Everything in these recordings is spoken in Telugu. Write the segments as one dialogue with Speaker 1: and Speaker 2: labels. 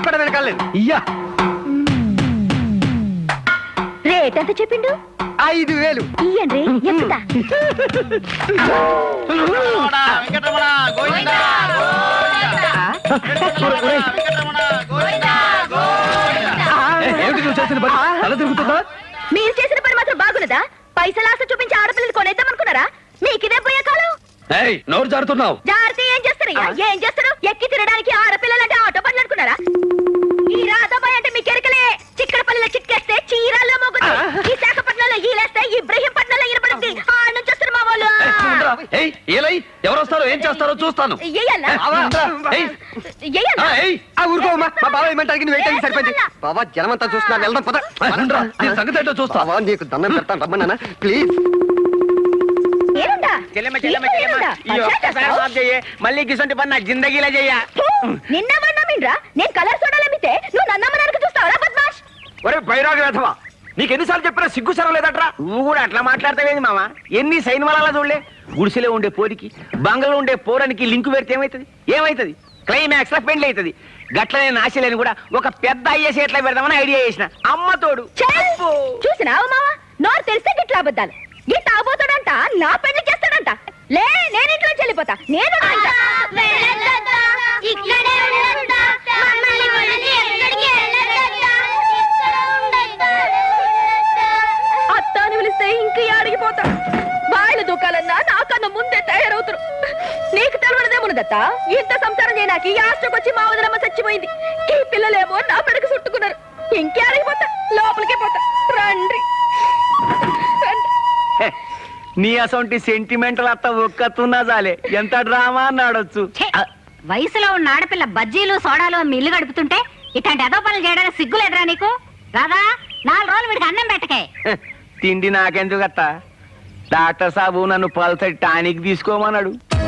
Speaker 1: కూడా వెనకాలేదు ఇయ్యా.
Speaker 2: రేట్ ఎంత చెప్పిండు?
Speaker 1: 5,000.
Speaker 2: ఇయ్యండి ఎక్కుతా.
Speaker 1: ఏమిటి నువ్వు చేసిన పని? తల తిరుగుతుందా?
Speaker 2: మీరు చేసిన పని మాత్రం బాగున్నదా? పైసలు ఆశ చూపించి ఆడపిల్లలు కొనేద్దామనుకున్నారా? మీకు ఇదే పోయే కాలం.
Speaker 1: నోరు జారుతున్నావు.
Speaker 2: జాగ్రత్త. ఏం చేస్తారయ్యా? ఏం చేస్తారు? ఎక్కి తినడానికి ఆడపిల్లలంటే ఆటో పనులు అనుకున్నారా? ఈ రాధాబాయ్ అంటే మీకు ఎరకలే. చిక్కడపల్లిలో చిక్కేస్తే చీరాల్లో మోగుతుంది. విశాఖపట్నంలో ఈలేస్తే ఇబ్రహీంపట్నంలో ఇరపడుద్ది. ఆ నుంచి వస్తారు మా వాళ్ళు.
Speaker 1: ఎవరు వస్తారో ఏం చేస్తారో చూస్తాను. ఊరుకోమా, మా బాబా ఏమంటానికి నువ్వు ఏంటని సరిపోయింది. బాబా జనమంతా చూస్తున్నా, వెళ్దాం పద. సంగతి ఏంటో చూస్తావా? నీకు దండం పెడతాను, రమ్మన్నా ప్లీజ్.
Speaker 3: మళ్ళీ గిసంటి పని నా జిందగీలా చెయ్య.
Speaker 2: నిన్న మన్నామిండ్రా నేను కలర్ సోడాలమ్మితే నువ్వు నన్నమ్మడానికి చూస్తావరా బద్మాష్?
Speaker 3: ఒరే బైరాగి వేధవా, నీకు ఎన్నిసార్లు చెప్పినా సిగ్గు సరం లేదట్రా. నువ్వు కూడా అట్లా మాట్లాడతావేంది మామ? ఎన్ని సైన్ వల్ల చూడలే. గుడిసెలో ఉండే పోరికి బంగళలో ఉండే పోరానికి లింకు పెడితే ఏమైతుంది? క్లైమాక్స్ లో పెండ్లి అవుతుంది. గట్లనే నాశలేని కూడా ఒక పెద్ద ఐఏఎస్ ఎట్లా పెడదామని ఐడియా చేసిన. అమ్మ తోడు
Speaker 2: చూసినావు మావా, నోరు తెలిస్తే గిట్లా అబద్ధాలు. ఈ తాగుతాడంట, నా పెళ్లి చేస్తాడంట. లే, నేను ఇంట్లో వెళ్ళిపోతా. నేను అత్త అని పిలిస్తే ఇంక అడిగిపోతా. వాళ్ళు దుకాలన్నా నాకన్నా ముందే తయారవుతారు. నీకు తెలవడదేమున్నదత్త, ఇంత సంసారం చేయడానికి ఈ ఆస్ట్రోకి వచ్చి మా వదిలమ్మ చచ్చిపోయింది. ఈ పిల్లలేమో నా పెడకు చుట్టుకున్నారు. ఇంకే అడిగిపోతా, లోపలికే పోతా. రండి.
Speaker 3: నీ అసొంటి సెంటిమెంటల్ అత్త ఒక్కతున్నా చాలే, ఎంత డ్రామా అన్నాడొచ్చు.
Speaker 4: వయసులో ఉన్న ఆడపిల్ల బజ్జీలు సోడాలు మీ ఇల్లు గడుపుతుంటే ఇట్లాంటి ఏదో పనులు చేయడానికి సిగ్గులేదురా నీకు? రాదా 4 రోజులు వీడికి అన్నం పెట్టకే.
Speaker 3: తిండి నాకెందుకు అత్త? డాక్టర్ సాబు నన్ను పల్సటి టానిక్ తీసుకోమన్నాడు.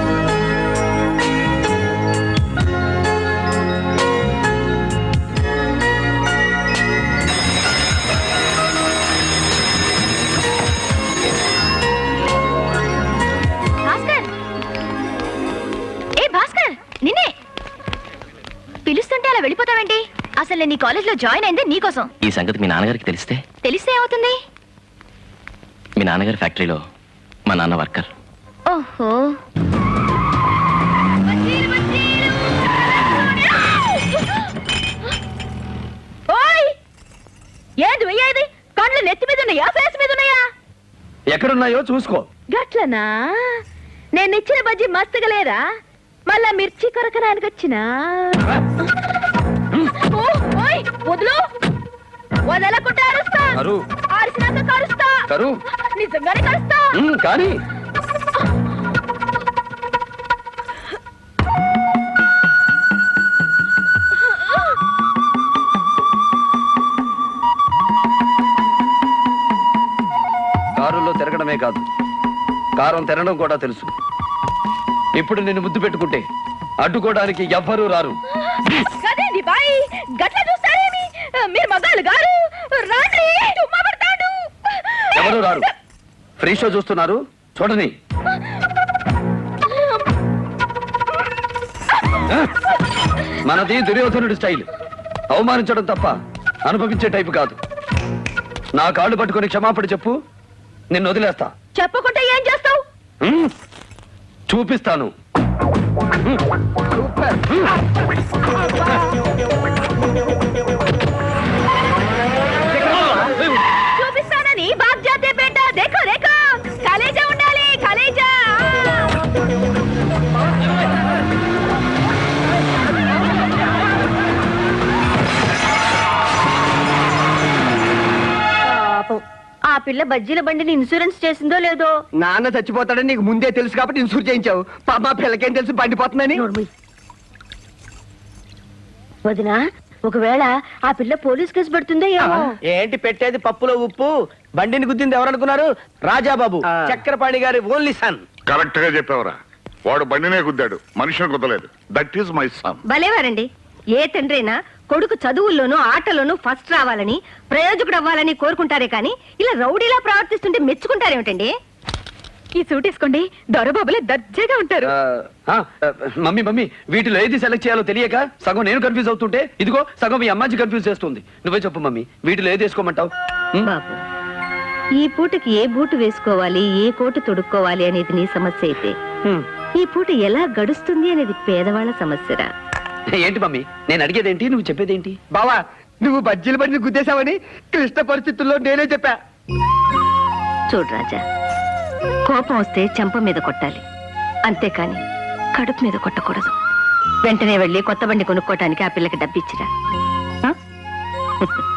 Speaker 2: నిన్నే పిలుస్తుంటే అలా వెళ్ళిపోతావేంటి? అసలు నేను నీ కాలేజ్ లో జాయిన్ అయింది నీకోసం.
Speaker 5: ఈ సంగతి మీ నాన్నగారికి తెలిస్తే
Speaker 2: ఏమవుతుంది?
Speaker 5: మీ నాన్నగారి ఫ్యాక్టరీలో మా నాన్న వర్కర్.
Speaker 2: ఓహో, ఓయ్ ఏది వెయ్యేది? కళ్ళు నెత్తి మీద ఉన్నాయా, ఫేస్ మీద ఉన్నాయా?
Speaker 1: ఎక్కడున్నాయో చూసుకో.
Speaker 2: గట్లనా? నేను ఇచ్చిన బజ్జీ మస్తుగా లేదా? మళ్ళా మిర్చి కొరకడానికి వచ్చినా? వదులు, వదలకుండా అరుస్తా. ఆరిసినాక కరుస్తా. నిజంగానే కరుస్తా.
Speaker 1: కానీ కారులో తిరగడమే కాదు, కారం తినడం కూడా తెలుసు. ఇప్పుడు నిన్ను ముద్దు పెట్టుకుంటే అడ్డుకోవడానికి ఎవ్వరూ రారు.
Speaker 2: మీరు మగాళ్ళు గారు
Speaker 1: ఎవరు రారు. ఫ్రీ షో చూస్తున్నారు, చూడని. మనది దుర్యోధనుడి స్టైల్. అవమానించడం తప్ప అనుభవించే టైపు కాదు. నా కాళ్ళు పట్టుకొని క్షమాపణ చెప్పు, నిన్ను వదిలేస్తా.
Speaker 2: చెప్పకుంటే ఏం చేస్తావు?
Speaker 1: చూపిస్తాను.
Speaker 2: చూపిస్తానని బాప్ జాతే బేటా. దేఖో దేఖో, కలేజా ఉండాలి, కలేజా. ఆ పిల్ల బజ్జీల బండిని ఇన్సూరెన్స్ చేసిందో లేదో.
Speaker 1: నాన్న చచ్చిపోతాడని నీకు ముందే తెలుసు కాబట్టి ఇన్సూర్ చేయించావు. పాప పిల్లకేం తెలుసు బండిపోతుందని.
Speaker 2: వదినా, ఒకవేళ ఆ పిల్ల పోలీస్ కేసు పెడుతుందో ఏమో.
Speaker 3: ఏంటి పెట్టేది పప్పులో ఉప్పు? బండిని గుద్దింది ఎవరనుకున్నారు? రాజాబాబు, చక్రపాణి గారి ఓన్లీ సన్.
Speaker 6: కరెక్ట్ గా చెప్పావరా. వాడు బండినే గుద్దాడు, మనిషిని గుద్దలేదు. That is my son.
Speaker 2: భలేవారండి. ఏ తండ్రైనా కొడుకు చదువుల్లోనూ ఆటలోనూ ఫస్ట్ రావాలని, ప్రయోజకుడు అవ్వాలని కోరుకుంటారే కానీ ఇలా రౌడీలా ప్రవర్తిస్తుంటే మెచ్చుకుంటారేమిటండి? ఈ సూట్ వేసుకోండి దొరబాబులే దర్జాగా ఉంటారు.
Speaker 1: మమ్మీ మమ్మీ వీటిలో ఏది సెలెక్ట్ చేయాలో తెలియక సగం నేను కన్ఫ్యూజ్ అవుతుంటే ఇదిగో సగం మీ అమ్మాజీ కన్ఫ్యూజ్ చేస్తుంది. నువ్వే చెప్పు మమ్మీ, వీటిలో ఏది వేసుకోమంటావు?
Speaker 7: బాబు, ఈ పూటకి ఏ బూటు వేసుకోవాలి, ఏ కోటు తొడుక్కోవాలి అనేది నీ సమస్య అయితే, ఈ పూట ఎలా గడుస్తుంది అనేది పేదవాళ్ళ సమస్యరా.
Speaker 1: ఏంటి మమ్మీ నేను అడిగేదేంటి, నువ్వు చెప్పేదేంటి?
Speaker 8: బావా, నువ్వు బజ్జీల బండిని గుద్దేశావని క్లిష్ట పరిస్థితుల్లో నేనే చెప్పా.
Speaker 7: చూడు రాజా, కోపం వస్తే చెంప మీద కొట్టాలి, అంతేకాని కడుపు మీద కొట్టకూడదు. వెంటనే వెళ్ళి కొత్త బండి కొనుక్కోటానికి ఆ పిల్లకి డబ్బిచ్చిరా. ఆ?